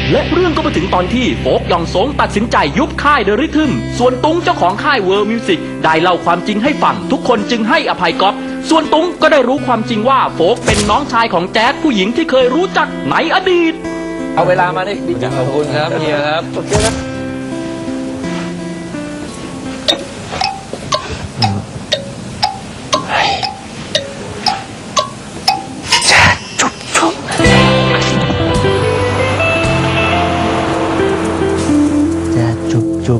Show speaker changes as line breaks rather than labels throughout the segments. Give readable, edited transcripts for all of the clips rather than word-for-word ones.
และเรื่องก็มาถึงตอนที่โฟกยองสงตัดสินใจยุบค่ายเดอะริทึมส่วนตุ้งเจ้าของค่ายเวิร์มิวสิกได้เล่าความจริงให้ฟังทุกคนจึงให้อภัยก๊อฟส่วนตุ้งก็ได้รู้ความจริงว่าโฟกเป็นน้องชายของแจ๊ดผู้หญิงที่เคยรู้จักในอดีต
เอาเวลามาดิขอบคุณครับเฮียครับโอเคนะ
จุบ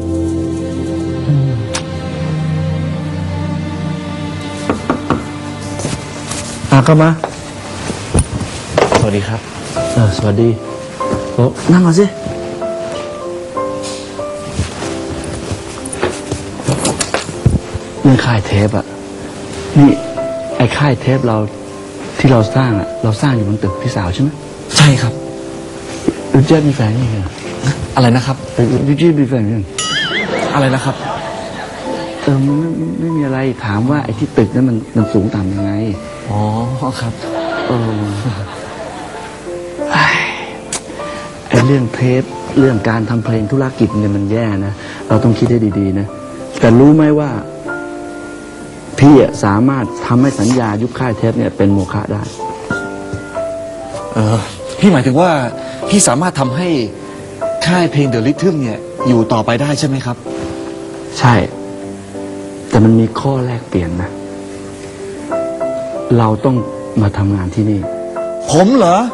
เข้ามา
สวัสดีครับ
สวัสดีโอ้นั่งก่อนสิเรื่องค่ายเทปอะนี่ไอ้ค่ายเทปเราที่เราสร้างอะเราสร้างอยู่บนตึกพี่สาวใช่ไหม
ใช่ครับ
ยูเจมีแฟนยังไง
อะไรนะครับ
ยูเจมีแฟนยัง
อะไรนะครับ
มันไม่มีอะไรถามว่าไอ้ที่ตึกนั้นมันสูงต่ำยังไง
อ๋อครับ
ไอ้เรื่องเทปเรื่องการทำเพลงธุรกิจเนี่ยมันแย่นะเราต้องคิดให้ดีๆนะแต่รู้ไหมว่าพี่สามารถทำให้สัญญายุบค่ายเทปเนี่ยเป็นโมฆะได้
พี่หมายถึงว่าพี่สามารถทำให้ค่ายเพลงเดอะริทึมเนี่ยอยู่ต่อไปได้ใช่ไหมครับ
ใช่แต่มันมีข้อแลกเปลี่ยนนะเราต้องมาทำงานที่นี่
ผมเหรอ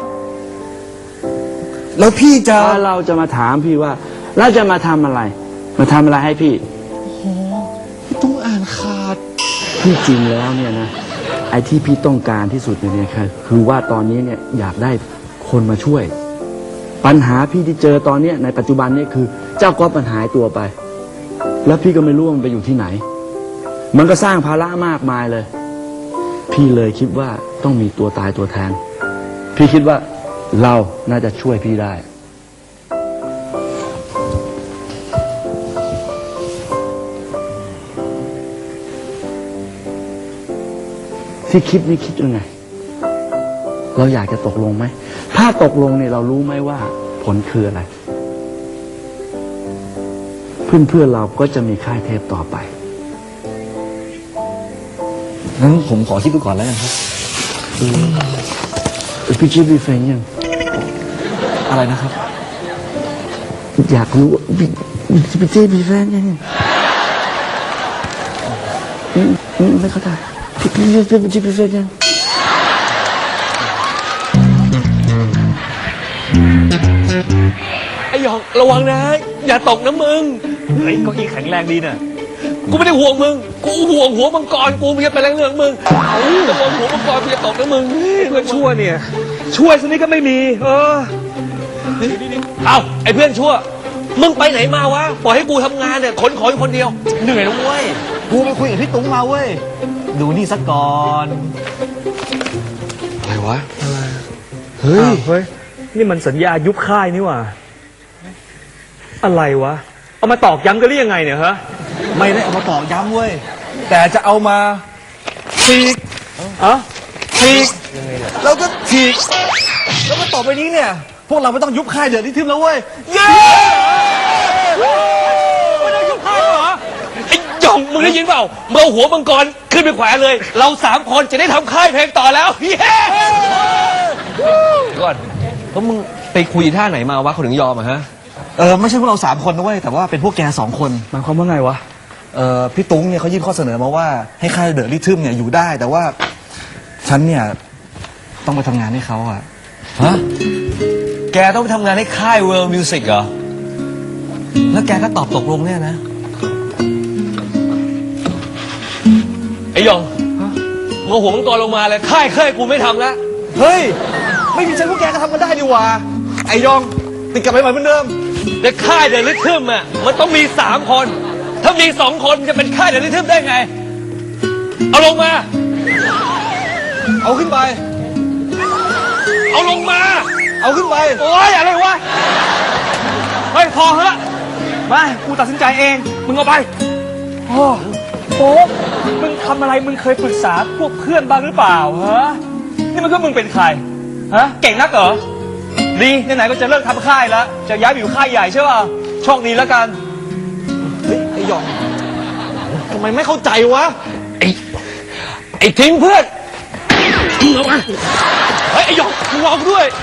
แล้วพี่จะ
เราจะมาถามพี่ว่าเราจะมาทำอะไรให้พี่
โอ้ต้องอ่านขาด
ที่จริงแล้วเนี่ยนะไอ้ที่พี่ต้องการที่สุดเนี่ยคือว่าตอนนี้เนี่ยอยากได้คนมาช่วยปัญหาพี่ที่เจอตอนนี้ในปัจจุบันเนี่ยคือเจ้าก๊อฟมันหายตัวไปแล้วพี่ก็ไม่รู้มันไปอยู่ที่ไหนมันก็สร้างภาระมากมายเลยพี่เลยคิดว่าต้องมีตัวตายตัวแทนพี่คิดว่าเราน่าจะช่วยพี่ได้ที่คิดนี่คิดยังไงเราอยากจะตกลงไหมถ้าตกลงเนี่ยเรารู้ไหมว่าผลคืออะไรเพื่อนเราก็จะมีค่ายเทปต่อไป
งั้นผมขอคิดดูก่อนแล้วกันครับ
พี่จิ๊บมีแฟนยัง
อะไรนะครับ
อยากรู้พี่จิ๊บมีแฟนยังไม่เข้าใจพี่จิ๊บมีแฟนยัง
ไอ้หยองระวังนะอย่าตกนะมึงเฮ้ยเก้าอี้แข็งแรงดีน่ะกูไม่ได้ห่วงมึงกูห่วงหัวมังกรกูมันจะเป็นเรื่องมึงระวังหัวมังกรมันจะตกนะมึงเพื่อนชั่วเนี่ยช่วยสักนิดก็ไม่มีเอาไอ้เพื่อนชั่วมึงไปไหนมาวะปล่อยให้กูทำงานเนี่ยขนของอยู่คนเดียวเหนื่อยนะเว้ยกูไปคุยกับพี่ตุ้งมาเว้ยดูนี่สักก่อนอะไรวะ
เฮ้ยนี่มันสัญญายุบค่ายนี่หว่าอะไรวะเอามาตอกย้ำกันหรือยังไงเนี่ยฮะ
ไม่ได้เอามาตอกย้ำเว้ยแต่จะเอามาฉีกฉีกแล้วก็ฉีกแล้วก็ต่อไปนี้เนี่ยพวกเราไม่ต้องยุบค่ายเดอะริทึมแล้วเว้ยเย้ไม่ต้องยุบค่ายเหรอไอ้หยองมึงได้ยินเปล่าเมื่อหัวมังกรขึ้นไปแขวนเลยเรา3 คนจะได้ทำค่ายเพลงต่อแล้วเย้ก่อนแล้วมึงไปคุยท่าไหนมาวะเขาถึงยอมอะฮะไม่ใช่พวกเรา3 คนนะเว้ยแต่ว่าเป็นพวกแก2 คน
หมายความว่าไงวะ
พี่ตุ้งเนี่ยเขายื่นข้อเสนอมาว่าให้ค่ายเดอะริทึมเนี่ยอยู่ได้แต่ว่าฉันเนี่ยต้องไปทำงานให้เขาอะฮะแกต้องไปทำงานให้ค่าย World Music เหรอแล้วแกก็ตอบตกลงเนี่ยนะไอ้ยองเมื่อหัวมังกรลงมาเลยค่ายกูไม่ทำแล้วเฮ้ยไม่มีฉันพวกแกก็ทำกันได้ดีวะไอ้ยองติดกลับไปใหม่เหมือนเดิมแต่ค่ายเดอะริทึมอะมันต้องมี3 คนถ้ามี2 คนจะเป็นค่ายเดอะริทึมได้ไงเอาลงมาเอาขึ้นไปเอาลงมาเอาขึ้นไปโอ้ยอะไรวะเฮ้ยพอเหอะมากูตัดสินใจเองมึงเอาไป
โอ้มึงทำอะไรมึงเคยปรึกษาพวกเพื่อนบ้างหรือเปล่าฮะนี่มันก็มึงเป็นใครฮะเก่งนักเหรอ
ดีไหนๆก็จะเลิกทำค่ายแล้วจะย้ายไปอยู่ค่ายใหญ่ใช่ป่ะโชคดีแล้วกันเฮ้ยไอ้หยองทำไมไม่เข้าใจวะไอ้ทิ้งเพื่อนเอามาเฮ้ยไอ้หยองมึงรอกูด้วย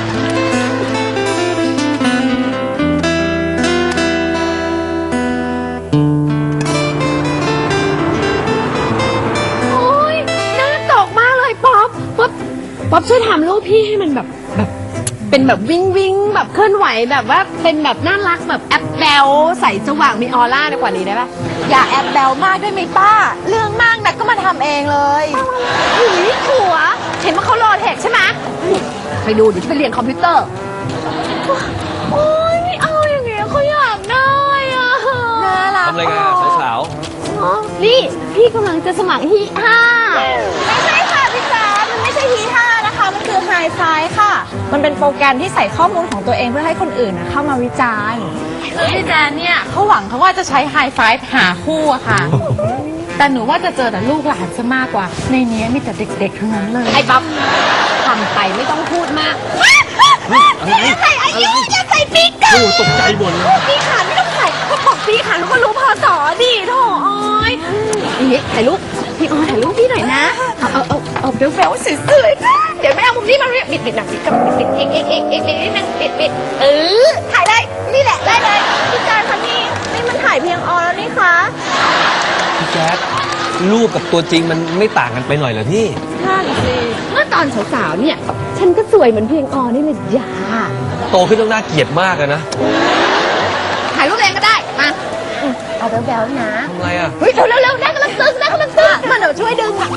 โอ๊ยน่าตกมากเลยป๊อปป๊อปช่วยทำรูปพี่ให้มันแบบเป็นแบบวิ่งแบบเคลื่อนไหวแบบว่าเป็นแบบน่ารักแบบแอปแบลใสสว่างมีออร่าในกว่านี้ได้ปะ
อย่าแอบแบวมากได้ไหมป้า เรื่องมากนักก็มาทำเองเลย
หุยหัว เห็นว่าเขาโหลดเทคใช่ไหมไปดูเดี๋ยวจะไปเรียนคอมพิวเตอร์โอ๊ยไม่เอาอย่างเงี้ยเขาอยากได้อ่ะ
น่ารัก
ทำอะไรกันสาว
อ๋อนี่พี่กำลังจะสมัครฮีห้า
ไม่ใช่ค่ะพี่แจ๊ดมันไม่ใช่ฮีท่านะคะ มันคือไฮไฟค่ะ มันเป็นโปรแกรมที่ใส่ข้อมูลของตัวเองเพื่อให้คนอื่นเข้ามาวิจารณ์พี่แจ๊ดเนี่ยเขาหวังเขาว่าจะใช้ไฮไฟหาคู่อะค่ะ แต่หนูว่าจะเจอแต่ลูกหลานซะมากกว่า ในนี้มีแต่เด็กๆทั้งนั้นเลย
ไอ้ป๊อปทำไปไม่ต้องพูดมาก
อย่าใส่อายุอย่าใส่ปีกเกอร์
ตกใจหมดเลย
ปีขันไม่ต้องใส่เขาบอกปีขันเขาก็รู้พอสอดิโถอ้อย
นี่ถ่ายรูปพี่ออถ่ายรูปพี่หน่อยนะเอาเบลสวยๆนะเดี๋ยวแม่เอามุมนี้มาบิดหนักบิดกับบิดเอกนิดนึงบิด
ถ่ายได้นี่แหละได้เลยพี่แจ๊ดคะนี่มันถ่ายเพียงออแล้วนี่คะ
พี่แจ๊ดรูปกับตัวจริงมันไม่ต่างกันไปหน่อยเหรอพี่
นั่นสิเมื่อตอนสาวๆเนี่ย ฉันก็สวยเหมือนเพียงออนี่เลยจ้า
โตขึ้นต้องน่าเกลียดมากอะนะ
ถ่ายรูปเองก็ได้มา
เอาแบ๊วๆนะ
ทำไรอะ
เฮ้ยเร็วๆได้กำลังตึง
มาเดี๋ยวช่วยดึงอ่ะ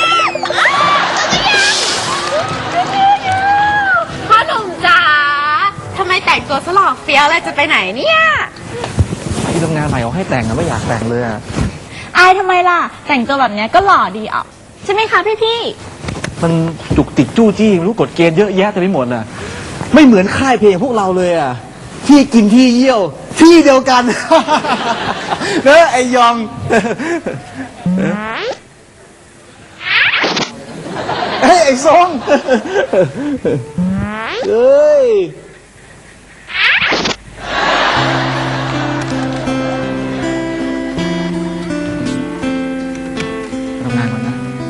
พ่อหนุ่มจ๋าทำไมแต่งตัวสลอกเฟี้ยวอะไรจะไปไหนเนี่ย
ที่ทำงานใหม่เอาให้แต่งนะไม่อยากแต่งเลยอะ
อายทำไมล่ะ แต่งตัวแบบเนี้ยก็หล่อดีอ่ะใช่ไหมคะพี่
มันจุกติกจู้จี้ไม่รู้กฎเกณฑ์เยอะแยะแต่ไม่หมดน่ะ ไม่เหมือนค่ายเพลงพวกเราเลยอ่ะ ที่กินที่เยี่ยว ที่เดียวกัน เนอะไอยอง เฮ้ยไอ้ทรงเฮ้ย ทำงานก่อนนะ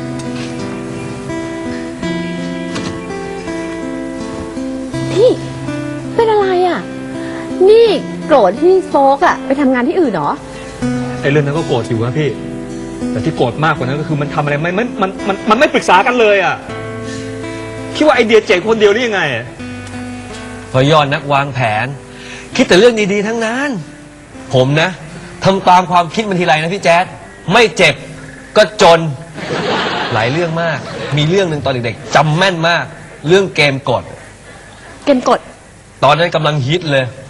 พี่เป็นอะไรอ่ะ นี่โกรธที่โฟกอ่ะไปทำงานที่อื่นเหรอ
ไอ้เรื่องนั้นก็โกรธอยู่นะพี่ แต่ที่โกรธมากกว่านั้นก็คือมันทำอะไรมันไม่ปรึกษากันเลยอ่ะ คิดว่าไอเดียเจ๋งคนเดียวนี่ยังไงอะ
พอยอดนักวางแผน คิดแต่เรื่องดีๆทั้งนั้น ผมนะทำตามความคิดมันทีไรนะพี่แจ๊ดไม่เจ็บก็จน หลายเรื่องมาก มีเรื่องหนึ่งตอนเด็กๆจำแม่นมาก เรื่องเกมกด
เกมกด
ตอนนั้นกำลังฮิตเลย